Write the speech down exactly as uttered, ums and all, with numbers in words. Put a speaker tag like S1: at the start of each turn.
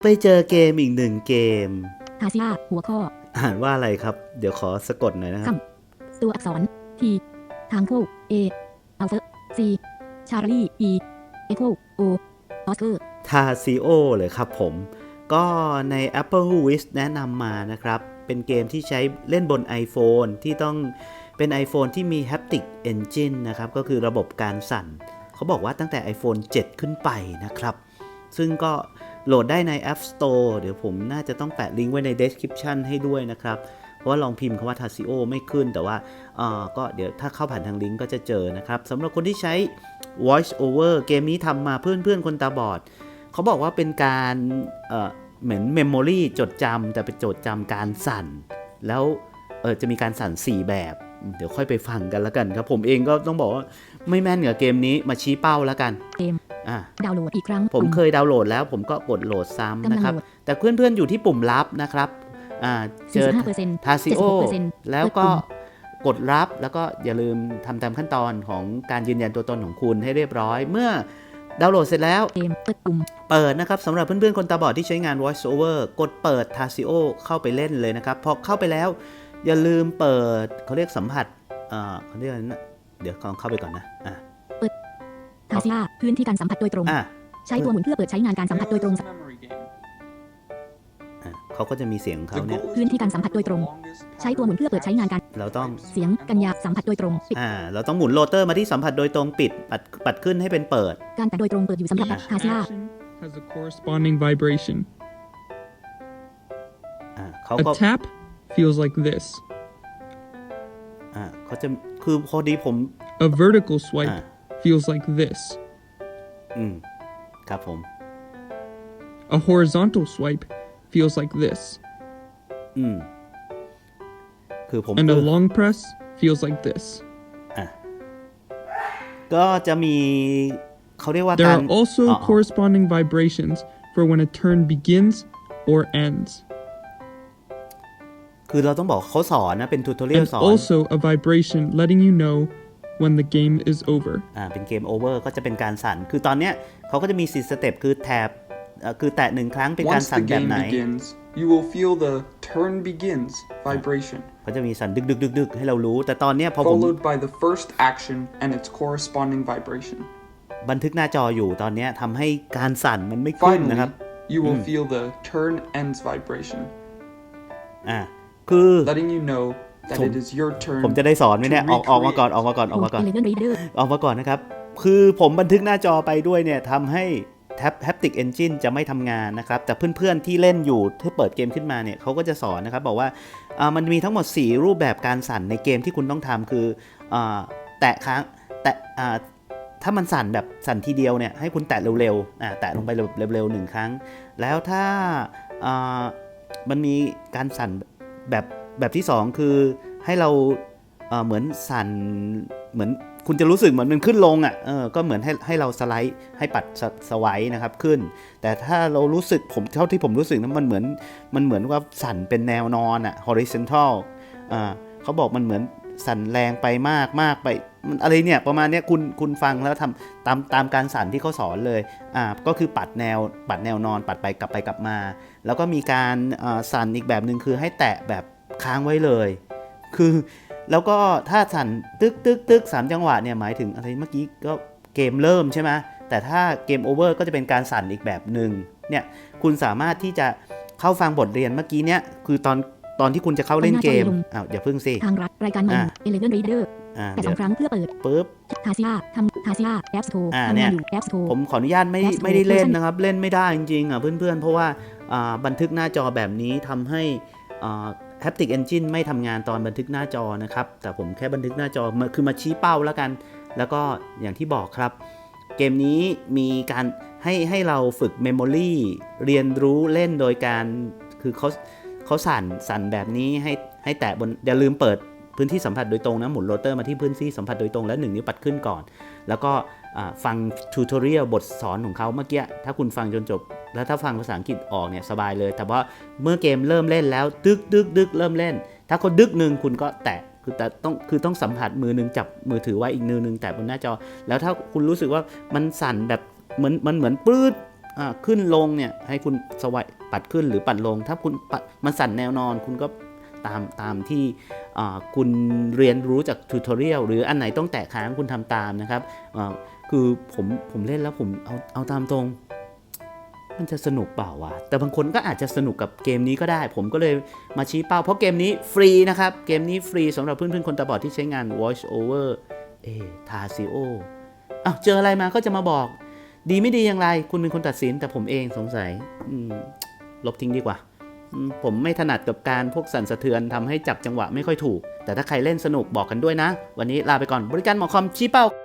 S1: ไปเจอเกมอีกหนึ่งเกม
S2: อาเซียหัวข้อ
S1: อ่านว่าอะไรครับเดี๋ยวขอสะกดหน่อยนะครับ
S2: ตัวอักษร T ทางคู่ A อัลเฟอร์ C ชาร์ลี E เอ็กโค O ออสเกอร์
S1: ทาซิโอเลยครับผมก็ใน Apple Wish แนะนำมานะครับเป็นเกมที่ใช้เล่นบน iPhone ที่ต้องเป็น iPhone ที่มี Haptic Engine นะครับก็คือระบบการสั่นเขาบอกว่าตั้งแต่ iPhone เจ็ด ขึ้นไปนะครับซึ่งก็โหลดได้ใน App Store เดี๋ยวผมน่าจะต้องแปะลิงก์ไว้ใน description ให้ด้วยนะครับเพราะว่าลองพิมพ์คำว่า Tazio ไม่ขึ้นแต่ว่าก็เดี๋ยวถ้าเข้าผ่านทางลิงก์ก็จะเจอนะครับสำหรับคนที่ใช้ Voice Over เกมนี้ทำมาเพื่อนๆคนตาบอดเขาบอกว่าเป็นการเอ่อเหมือน Memory จดจำแต่เป็นจดจำการสั่นแล้วเออจะมีการสั่นสี่แบบเดี๋ยวค่อยไปฟังกันแล้วกันครับผมเองก็ต้องบอกว่าไม่แม่นกับเกมนี้มาชี้เป้าแล้วกัน
S2: เกมดาวน์โหลดอีกครั้ง
S1: ผมเคยดาวน์โหลดแล้วผมก็กดโหลดซ้ำนะครับแต่เพื่อนๆอยู่ที่ปุ่มลับนะครับเจอ Tazio แล้วก็กดรับแล้วก็อย่าลืมทำตามขั้นตอนของการยืนยันตัวตนของคุณให้เรียบร้อยเมื่อดาวน์โหลดเสร็จแล้วเปิดนะครับสำหรับเพื่อนๆคนตาบอดที่ใช้งาน Voice Over กดเปิด Tazio เข้าไปเล่นเลยนะครับพอเข้าไปแล้วอย่าลืมเปิดเขาเรียกสัมผัสเขาเรียกอะไรนะเดี๋ยวเข้าไปก่อนนะ
S2: เปิด Tazio พื้นที่การสัมผัสโดยตรงใช้ตัวหมุนเพื่อเปิดใช้งานการสัมผัสโดยตรง
S1: เขาก็จะมีเสียงเขาเนี่ย
S2: พื้นที่การสัมผัสโดยตรงใช้ตัวหมุนเพื่อเปิดใช้งานการ
S1: เราต้อง
S2: เสียงกัญญาสัมผัสโดยตรง
S1: อ่าเราต้องหมุนโรเตอร์มาที่สัมผัสโดยตรงปิดปัดปัดขึ้นให้เป็นเปิด
S2: การแตะโดยตรงเปิดอยู่สำหรับฮาซิล่า
S3: has a corresponding vibration
S1: อ่าเขาก็
S3: a tap feels like this
S1: อ่าเขาจะคือพอดีผม
S3: a vertical swipe feels like this
S1: อืมครับผม
S3: a horizontal swipe feels like this
S1: อืมคือผม
S3: and a long press feels like this
S1: อ่ะก็จะมีเขาเรียกว่า
S3: there are also corresponding vibrations for when a turn begins or ends
S1: คือเราต้องบอกเขาสอนนะเป็นทูตอเรียล
S3: and
S1: สอน
S3: also a vibration letting you know when the game is over
S1: อ่าเป็นเกม over ก็จะเป็นการสั่นคือตอนเนี้ยเขาก็จะมีสี่สเต็ปคือแถบคือแตะหนึ่งครั้งเป็นการสั่นแบบไหน
S4: you will feel the turn begins vibration
S1: เขาจะมีสั่นดึกดึกดึกดึกให้เรารู้แต่ตอนเนี้ยพอผม
S4: followed by the first action and its corresponding vibration
S1: บันทึกหน้าจออยู่ตอนเนี้ยทำให้การสั่นมันไม่ขึ้นนะครับ
S4: you will feel the turn ends vibration
S1: อ่าคือ
S4: letting you know that it is your turn
S1: ผมจะได้สอนไหมเนี่ยออกออกมาก่อนออกมาก่อนออกมาก่อนออกมาก่อนนะครับคือผมบันทึกหน้าจอไปด้วยเนี่ยทำให้Haptic Engine จะไม่ทำงานนะครับแต่เพื่อนๆที่เล่นอยู่ที่เปิดเกมขึ้นมาเนี่ยเขาก็จะสอนนะครับบอกว่ามันมีทั้งหมดสี่รูปแบบการสั่นในเกมที่คุณต้องทำคือแตะครั้งแตะถ้ามันสั่นแบบสั่นทีเดียวเนี่ยให้คุณแตะเร็วๆแตะลงไปเร็วๆหนึ่งครั้งแล้วถ้ามันมีการสั่นแบบแบบที่สองคือให้เราเหมือนสั่นเหมือนคุณจะรู้สึกเหมือนมันขึ้นลงอ่ะเออก็เหมือนให้ให้เราสไลด์ให้ปัดสไวด์นะครับขึ้นแต่ถ้าเรารู้สึกผมเท่าที่ผมรู้สึกนะมันเหมือนมันเหมือนว่าสั่นเป็นแนวนอนอ่ะ horizontal อ่าเขาบอกมันเหมือนสั่นแรงไปมากมากไปมันอะไรเนี่ยประมาณเนี้ยคุณคุณฟังแล้วทำตามตามการสั่นที่เขาสอนเลยอ่าก็คือปัดแนวปัดแนวนอนปัดไปกลับไปกลับมาแล้วก็มีการสั่นอีกแบบนึงคือให้แตะแบบค้างไว้เลยคือแล้วก็ถ้าสั่นตึกตึกตึกสามจังหวะเนี่ยหมายถึงอะไรเมื่อกี้ก็เกมเริ่มใช่ไหมแต่ถ้าเกมโอเวอร์ก็จะเป็นการสั่นอีกแบบหนึ่งเนี่ยคุณสามารถที่จะเข้าฟังบทเรียนเมื่อกี้เนี่ยคือตอนตอนที่คุณจะเข้าเล่นเกมอ้าวอย่าเพิ่งสิ
S2: ทางรัฐรายการใหม่ Eleven Reader แต่สองครั้งเพื่อเปิด
S1: ปึ๊บ
S2: Tazio ทำ Tazio App Store ทำงานอยู่ App Store
S1: ผมขออนุญาตไม่ไม่ได้เล่นนะครับเล่นไม่ได้จริงๆอ่ะเพื่อนๆเพราะว่าบันทึกหน้าจอแบบนี้ทำให้Haptic Engine ไม่ทำงานตอนบันทึกหน้าจอนะครับแต่ผมแค่บันทึกหน้าจอคือมาชี้เป้าแล้วกันแล้วก็อย่างที่บอกครับเกมนี้มีการให้ให้เราฝึก Memory เรียนรู้เล่นโดยการคือเขาเขาสั่นสั่นแบบนี้ให้ให้แตะบนอย่าลืมเปิดพื้นที่สัมผัสโดยตรงนะหมุนโรเตอร์มาที่พื้นที่สัมผัสโดยตรงแล้วหนึ่งนิ้วปัดขึ้นก่อนแล้วก็ฟังทูตอเรียลบทสอนของเขาเมื่อกี้ถ้าคุณฟังจนจบแล้วถ้าฟังภาษาอังกฤษออกเนี่ยสบายเลยแต่ว่าเมื่อเกมเริ่มเล่นแล้วดึกดึกดึกเริ่มเล่นถ้าเขาดึกหนึ่งคุณก็แตะคือแต่ต้องคือต้องสัมผัสมือนึงจับมือถือไว้อีกมือนึงแตะบนหน้าจอแล้วถ้าคุณรู้สึกว่ามันสั่นแบบเหมือนมันเหมือนปื๊ดอ่าขึ้นลงเนี่ยให้คุณสวายปัดขึ้นหรือปัดลง ถ้าคุณปัดมันสั่นแนวนอนคุณก็ตามตามที่อ่าคุณเรียนรู้จากทูตอเรียลหรืออันไหนต้องแตะค้างคุณทำตามนะครับอ่าคือผมผมเล่นแล้วผมเอาเอาตามตรงมันจะสนุกเปล่าวะแต่บางคนก็อาจจะสนุกกับเกมนี้ก็ได้ผมก็เลยมาชี้เป้าเพราะเกมนี้ฟรีนะครับเกมนี้ฟรีสำหรับเพื่อนๆคนตาบอดที่ใช้งาน Voice over เอทาซิโออ้าวเจออะไรมาก็จะมาบอกดีไม่ดีอย่างไรคุณเป็นคนตัดสินแต่ผมเองสงสัยลบทิ้งดีกว่าผมไม่ถนัดกับการพวกสั่นสะเทือนทำให้จับจังหวะไม่ค่อยถูกแต่ถ้าใครเล่นสนุกบอกกันด้วยนะวันนี้ลาไปก่อนบริการหมอคอมชี้เป้า